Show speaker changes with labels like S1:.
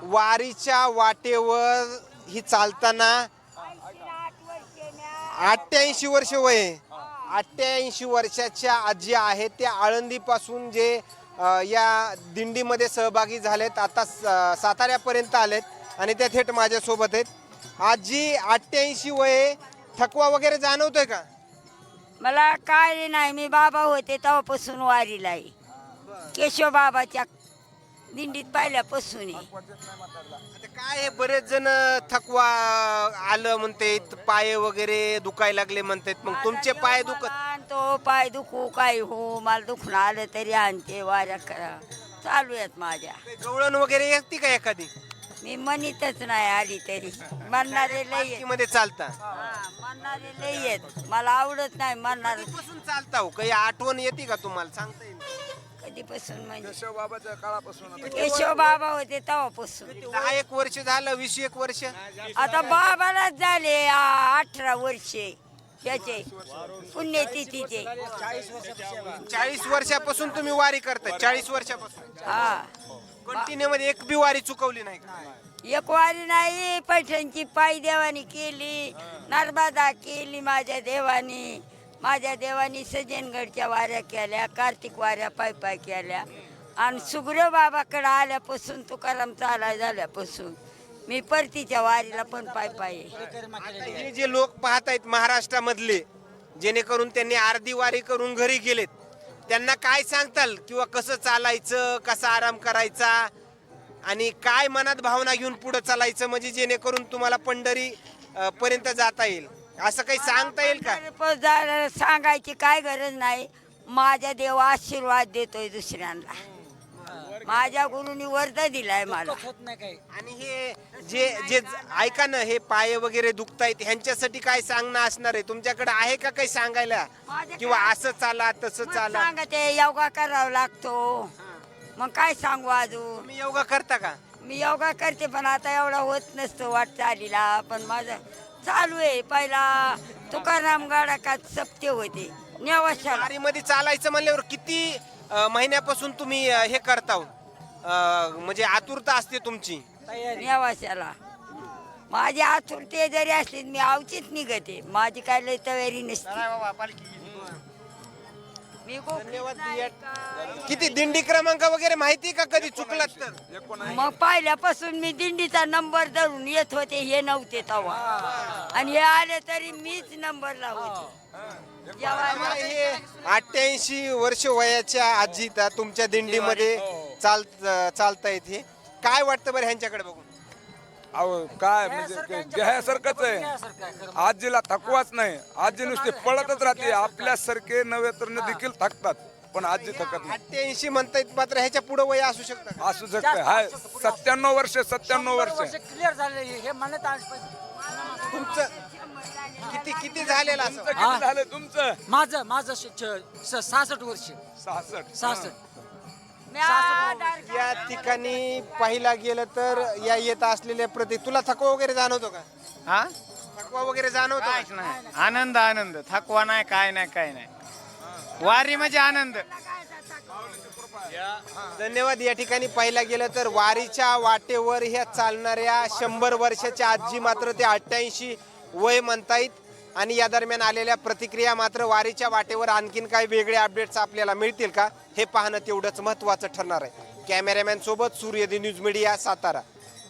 S1: वारीच्या वाटेवर ही चालताना 88 वर्ष वय आहे. 88 वर्षाच्या आजी आहेत त्या आळंदीपासून जे या दिंडीमध्ये सहभागी झालेत, आता साताऱ्यापर्यंत आलेत आणि त्या थेट माझ्यासोबत आहेत. आजी 88 वय, थकवा वगैरे जाणवतोय का?
S2: मला काय नाही, मी बाबा होते तेव्हापासून वारीला आहे. केशव बाबाच्या दिंडीत पहिल्यापासून आहे.
S1: आता काय आहे, बरेच जण थकवा आलं म्हणते, पाय वगैरे दुखायला लागले म्हणतात. मग तुमचे पाय दुखत?
S2: तो पाय दुखू काय हो, मला दुखणं आलं तरी आणते वाऱ्या करा चालू आहेत माझ्या.
S1: गवळण वगैरे येते का एखादी?
S2: मी म्हणतच नाही आली तरी. म्हणणारे लई आहेत.
S1: मध्ये चालता?
S2: म्हणणारे लई आहेत, मला आवडत नाही म्हणणार.
S1: कधीपासून चालता हो? काही आठवण येते का तुम्हाला? सांगता येईल?
S2: कधीपासून म्हणजे
S3: केशव बाबाच्या काळापासून
S2: केशव बाबा होते तेव्हापासून.
S1: 10 वर्ष झालं, 20 वर्ष?
S2: आता बाबालाच झाले 18 वर्षे त्याचे पुण्यतिथीचे.
S1: 40 वर्षापासून तुम्ही वारी करता? 40 वर्षापासून
S2: हा,
S1: कंटिन्यू मध्ये एक बी वारी चुकवली नाही का?
S2: एक वारी नाही. पैठणची पायी देवानी केली, नर्मदा केली माझ्या देवानी. माझ्या देवानी सज्जनगडच्या वाऱ्या केल्या, कार्तिक वाऱ्या पाय केल्या. आणि सुग्रीव बाबाकडे आल्यापासून, तुकाराम चालाय झाल्यापासून मी परतीच्या वारीला पण पाय.
S1: हे जे लोक पाहत आहेत महाराष्ट्रामधले, जेणेकरून त्यांनी अर्धी वारी करून घरी गेलेत, त्यांना काय सांगताल? किंवा कसं चालायचं, कसा आराम करायचा आणि काय मनात भावना घेऊन पुढे चालायचं, म्हणजे जेणेकरून तुम्हाला पंढरी पर्यंत जाता येईल, असं काही सांगता येईल का?
S2: सांगायची काय गरज नाही. माझ्या देव आशीर्वाद देतोय दुसऱ्यांना. माझ्या गुरुनी वर्ध दिलाय मला.
S1: आणि हे जे जे ऐका ना, हे पाय वगैरे दुखतायत, ह्यांच्यासाठी काय सांगणं असणार आहे? तुमच्याकडे आहे का काही सांगायला? किंवा असं चाला तसं चाला?
S2: सांगते योगा करावा लागतो. मग काय सांगू अजून?
S1: तुम्ही योगा करता का?
S2: मी योगा करते, पण आता एवढा होत नसतो वाटचालीला. पण माझं चालू आहे. पहिला तुकाराम गाडकात सप्ते होते नेवाशाला.
S1: वारीमध्ये चालायचं म्हणल्यावर किती महिन्यापासून तुम्ही हे करता? म्हणजे आतुरता असते तुमची
S2: नेवाशाला. माझी आतुरते जरी असली मी आवचीत निघते. माझी काय लय तयारी नसते. मी
S1: धन्यवाद. किती दिंडी क्रमांक वगैरे माहिती का? कधी चुकलात तर?
S2: मग पहिल्यापासून मी दिंडीचा नंबर धरून येत होते. हे नव्हते तेव्हा, आणि हे आले तरी मीच नंबरला होते.
S1: हे 88 वर्ष वयाच्या आजी तुमच्या दिंडीमध्ये चालतायत. हे काय वाटतं बरं ह्यांच्याकडे बघून?
S3: अहो काय म्हणजे घ्यासारखंच आहे. आजीला थकवाच नाही. आजी नुसते पळतच राहते. आपल्यासारखे नव्हे तर देखील थकतात, पण आजी थकत नाही.
S1: 88 म्हणतायत, मात्र ह्याच्या पुढे वय असू शकतं?
S3: असू शकते. हाय 97 वर्ष. 97 वर्ष
S4: क्लिअर झाले हे म्हणत.
S1: तुमचं किती झालेलं असं?
S3: किती झालं तुमचं?
S4: माझं 66 वर्ष.
S3: 66.
S1: या ठिकाणी पाहिला गेलं तर या येत असलेल्या प्रति तुला थकवा वगैरे जाणवतो का?
S5: हा,
S1: थकवा वगैरे जाणवतो?
S5: काहीच नाही. आनंद आनंद, थकवा नाही, काय नाही, काय नाही. वारी म्हणजे आनंद.
S1: धन्यवाद. या ठिकाणी पाहिला गेलं तर वारीच्या वाटेवर ह्या चालणाऱ्या 100 वर्षाच्या आजी मात्र ते 88 वय म्हणतायत. आणि या दरम्यान आलेल्या प्रतिक्रिया मात्र वारीच्या वाटेवर आणखीन काही वेगळे अपडेट्स आपल्याला मिळतील का, हे पाहणं तेवढंच महत्त्वाचं ठरणार आहे. कॅमेरामॅन सोबत सूर्यदी न्यूज मीडिया, सातारा.